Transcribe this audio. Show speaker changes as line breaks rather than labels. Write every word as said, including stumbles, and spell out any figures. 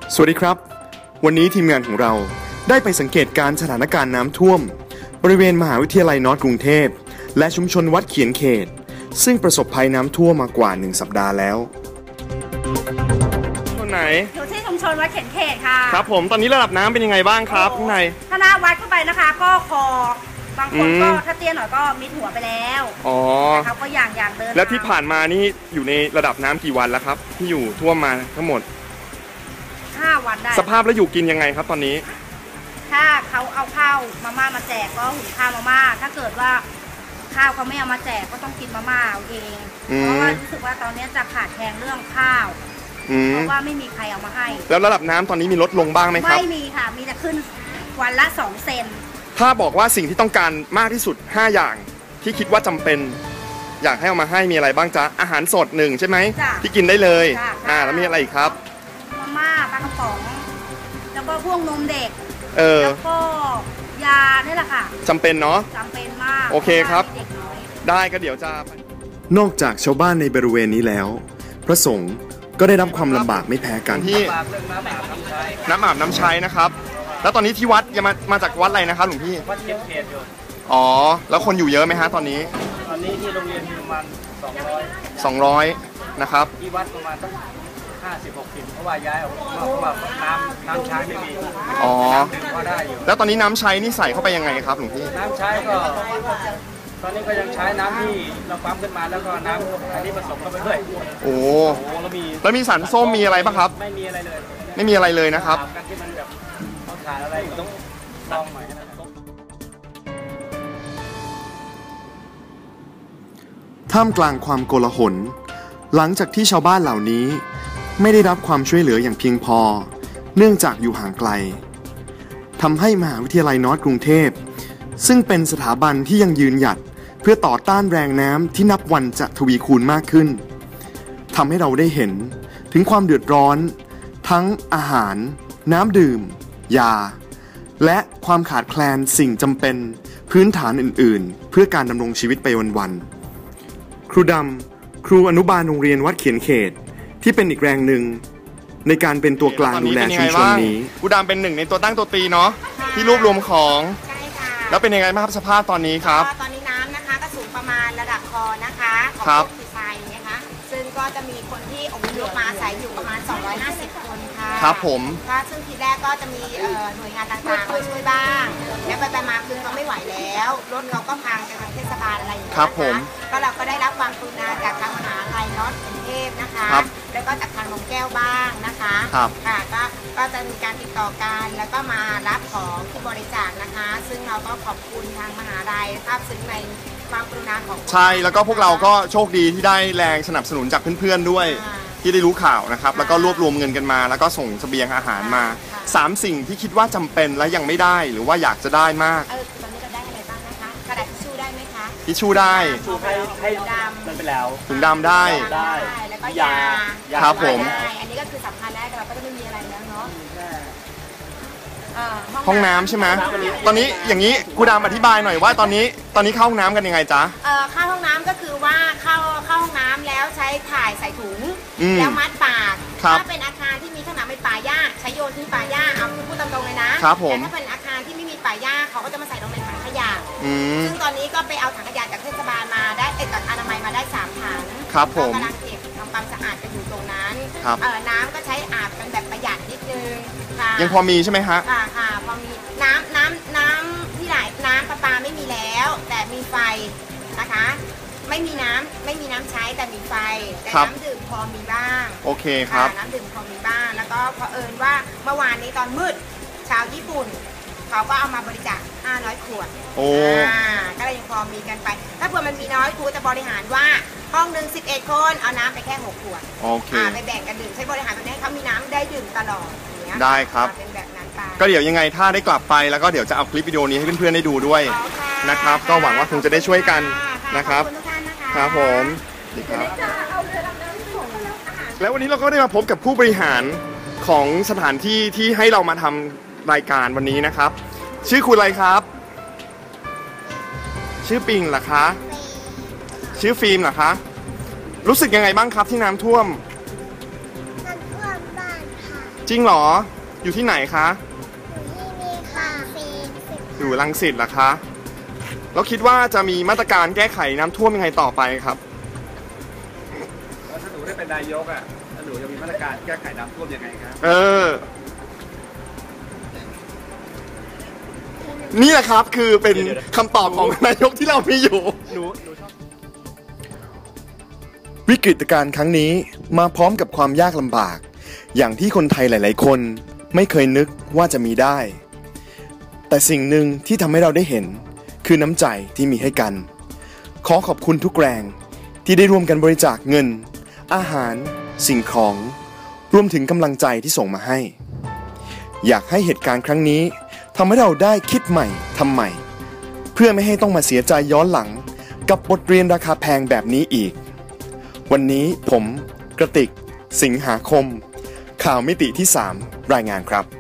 สวัสดีครับวันนี้ทีมงานของเราได้ไปสังเกตการสถานการณ์น้ำท่วมบริเวณมหาวิทยาลัยนอร์ทกรุงเทพและชุมชนวัดเขียนเขตซึ่งประสบภัยน้ำท่วมมากว่าหนึ่งสัปดาห์แล้วตรงไหน
อยู่ที่ชุมชนวัดเขียนเขตค่ะ
ครับผมตอนนี้ระดับน้ำเป็นยังไงบ้างครับข้างใน
ถ้าหน้าวัดเข้าไปนะคะก็คอบางคนก็ถ้าเตี้ยหน่อยก็มิดหัวไปแล้วอ๋อเขาก็อย่างอย่างเดิน
แล้วที่ผ่านมานี่อยู่ในระดับน้ำกี่วันแล้วครับที่อยู่ท่วมมาทั้งหมด
ห้าวันได้
สภาพแล้วอยู่กินยังไงครับตอนนี้
ถ้าเขาเอาข้าวมาม่ามาแจกก็หุงข้าวมาม่าถ้าเกิดว่าข้าวเขาไม่เอามาแจกก็ต้องกินมาม่าเอาเองเพราะว่ารู้สึกว่าตอนนี้จะขาดแคลนเรื่องข้าวเพราะว่าไม่มีใครเอามาให้
แล้วระดับน้ำตอนนี้มีลดลงบ้างไหมครับ
ไม่มีค่ะมีแต่ขึ้นวันละสองเซน
ถ้าบอกว่าสิ่งที่ต้องการมากที่สุดห้าอย่างที่คิดว่าจำเป็นอยากให้เอามาให้มีอะไรบ้างจ๊ะอาหารสดหนึ่งใช่ไหมที่กินได้เลยอ่าแล้วมีอะไรอีกครับ
มาม่าปลากระป๋องแล้วก็พวกนมเด็ก
เออ
แล้วก็ยานี่แหละค่ะ
จำเป็นเนาะ
จำเป็นมาก
โอเคครับได้ก็เดี๋ยวจะนอกจากชาวบ้านในบริเวณนี้แล้วพระสงฆ์ก็ได้รับความลำบากไม่แพ้กันที่น้ำอาบน้ำใช้นะครับแล้วตอนนี้ที่วัดยังมามาจากวัดอะไรนะครับหลวงพี่
วัดเขียนเขตอยู่
อ๋อแล้วคนอยู่เยอะไหมฮะตอนนี้
ตอนนี้ที่โรงเรียนประมาณสองร้อย
สองร้อยนะครับ
ที่วัดประมาณตั้งห้าสิบหกสิบเพราะว่าย้ายออกเพราะว่าน้ำน้ำใช้ไม่มี
อ๋อ
ก็ได้อยู่
แล้วตอนนี้น้ำใช้นี่ใส่เข้าไปยังไงครับหลวงพี่
น้ำใช้ก็ตอนนี้ก็ยังใช้น้ำที่เราปั๊มขึ้นมาแล้วก็น้ำอันนี้ผสมเข้าไปด้วย
โอ้แล้วมีแล้วมีสารส้มมีอะไรป่ะครับ
ไม่มีอะไรเลย
ไม่มีอะไรเลยนะครับ
การที่มันแบบต้องขาดอะไรต้องลองใหม่
ท่ามกลางความโกลาหลหลังจากที่ชาวบ้านเหล่านี้ไม่ได้รับความช่วยเหลืออย่างเพียงพอเนื่องจากอยู่ห่างไกลทำให้มหาวิทยาลัยนอร์ทกรุงเทพซึ่งเป็นสถาบันที่ยังยืนหยัดเพื่อต่อต้านแรงน้ำที่นับวันจะทวีคูณมากขึ้นทำให้เราได้เห็นถึงความเดือดร้อนทั้งอาหารน้ำดื่มยาและความขาดแคลนสิ่งจำเป็นพื้นฐานอื่นๆเพื่อการดำรงชีวิตไปวันๆครูดำครูอนุบาลโรงเรียนวัดเขียนเขตที่เป็นอีกแรงหนึ่งในการเป็นตัวกลางดูแลชุมชนนี้ครูดำเป็นหนึ่งในตัวตั้งตัวตีเนาะที่รวบรวมของแล้วเป็นยังไงบ้างครับสภาพตอนนี้ครับ
ตอนนี้น้ำนะคะก็สูงประมาณระดับคอนะคะ
ครับ
ไฟนะคะซึ่งก็จะมีคนที่อพยพมาอาศัยอยู่ประมาณสองร้อยห้าสิบคนค่ะ
ครับผม
ก็ซึ่งทีแรกก็จะมีหน่วยงานต่างๆมาช่วยบ้างแล้วไปๆมาคือเขาไม่ไหวแล้วรถเราก็พังจากทางเทศบาลอะไรอย่างเงี้ย
ครับผม
ก็เราก็ได้รับความกรุณาจากทางมหาวิทยาลัยนอร์ทกรุงเทพนะคะแล้วก็จากทางนมแก้วบ้างนะคะค่ะก็ก็จะมีการติดต่อกันแล้วก็มารับของที่บริจาคนะคะซึ่งเราก็ขอบคุณทางมหาวิทยาลัยภาพซึ้งในความกรุณาของ
ใช่แล้วก็พวกเราก็โชคดีที่ได้แรงสนับสนุนจากเพื่อนๆด้วยที่ได้รู้ข่าวนะครับแล้วก็รวบรวมเงินกันมาแล้วก็ส่งเสบียงอาหารมาสามสิ่งที่คิดว่าจำเป็นและยังไม่ได้หรือว่าอยากจะได้มาก
เออตอนนี้เราได้อะไรบ้างนะคะกระดาษทิชชู่ได้ไหมคะ
ทิชชู่ได้
ชูให้ให้มันไปแล้ว
ถุงดำได้
ได้แล้วก็ยา
ครับผม
อันนี้ก็คือสำคัญแล้วแต่เราก็จะไม่มีอะไรแล้วเนาะ
ห้องน้ำใช่ไหมตอนนี้อย่างนี้ครูดำอธิบายหน่อยว่าตอนนี้ตอนนี้เข้าห้องน้ำกันยังไงจ๊ะ
เอ่อเข้าห้องน้ำก็คือว่าเข้าเข้าห้องน้ำแล้วใช้ถ่ายใส่ถุงแล้วมัดปากถ้าเป็นอาคารที่มีขนาดเป็นป่าหญ้าใช้โยนทิ้งป่าหญ้าเอาคือพูดตรงๆเลยนะแต่ถ้าเป็นอาคารที่ไม่มีป่าหญ้าเขาก็จะมาใส่ลงในถังขยะซึ่งตอนนี้ก็ไปเอาถังขยะจากเทศบาลมาได้เอ็ดจากอนามัยมาได้สามถัง
ครับผม
กำลังเก็บทำความสะอาดกันอยู่ตรงนั้นเอ่อน้ำก็ใช้อาบกันแบบประหยัดนิดนึงค่ะ
ยังพอมีใช่ไหมฮะ
ค่ะค่ะพอมีน้ำน้ำน้ำที่ไหลน้ำประปาไม่มีแล้วแต่มีไฟนะคะไม่มีน้ำไม่มีน้ำใช้แต่มีไฟแต่น้ำดื่มพอมีบ้าง
โอเคครับ
น้ำดื่มพอมีบ้างแล้วก็เผอิญว่าเมื่อวานนี้ตอนมืดชาวญี่ปุ่นเขาก็เอามาบริจาคห้าร้อยขวด
โอ้
ก็เลยยังพอมีกันไปถ้าเผื่อมันมีน้อยครูจะบริหารว่าห้องหนึ่งสิบเอ็ดคนเอาน้ำไปแค่หกขวด
โอเค
ไปแบ่งกันดื่มใช้บริหารแบบนี้ให้เขามีน้ำได้ดื่มตลอด
ได้ครับ
เป็นแบบนั้นไป
ก็เดี๋ยวยังไงถ้าได้กลับไปแล้วก็เดี๋ยวจะเอาคลิปวิดีโอนี้ให้เพื่อนๆได้ดูด้วยนะครับก็หวังว่าคงจะได้ช่วยกันนะครับครับผมดีครับแล้ววันนี้เราก็ได้มาพบกับผู้บริหารของสถานที่ที่ให้เรามาทำรายการวันนี้นะครับชื่อคุณอะไรครับชื่อปิงเหรอคะชื่อฟิล์มเหรอคะรู้สึกยังไงบ้างครับที่น้ำท่วม
น้ำท่วมางบ้านค่ะ
จริงเหรออยู่ที่ไหนคะ
อยู่ที่นี่ค่ะซีสิบ
อยู่รังสิตเหรอคะแล้วคิดว่าจะมีมาตรการแก้ไขน้ำท่วมยังไงต่อไปครับ
แล้วถ้าหนูได้เป็นนายกอ่ะถ้าหนูจะมีมาตรการแก้ไขน้ำท่วมยังไงครับ
เออนี่แหละครับคือเป็นคำตอบของนายกที่เรามีอยู่หนูหนูชอบวิกฤตการณ์ครั้งนี้มาพร้อมกับความยากลำบากอย่างที่คนไทยหลายๆคนไม่เคยนึกว่าจะมีได้แต่สิ่งหนึ่งที่ทำให้เราได้เห็นคือน้ำใจที่มีให้กันขอขอบคุณทุกแรงที่ได้ร่วมกันบริจาคเงินอาหารสิ่งของรวมถึงกำลังใจที่ส่งมาให้อยากให้เหตุการณ์ครั้งนี้ทำให้เราได้คิดใหม่ทำใหม่เพื่อไม่ให้ต้องมาเสียใจย้อนหลังกับบทเรียนราคาแพงแบบนี้อีกวันนี้ผมกระติกสิงหาคมข่าวมิติที่สามรายงานครับ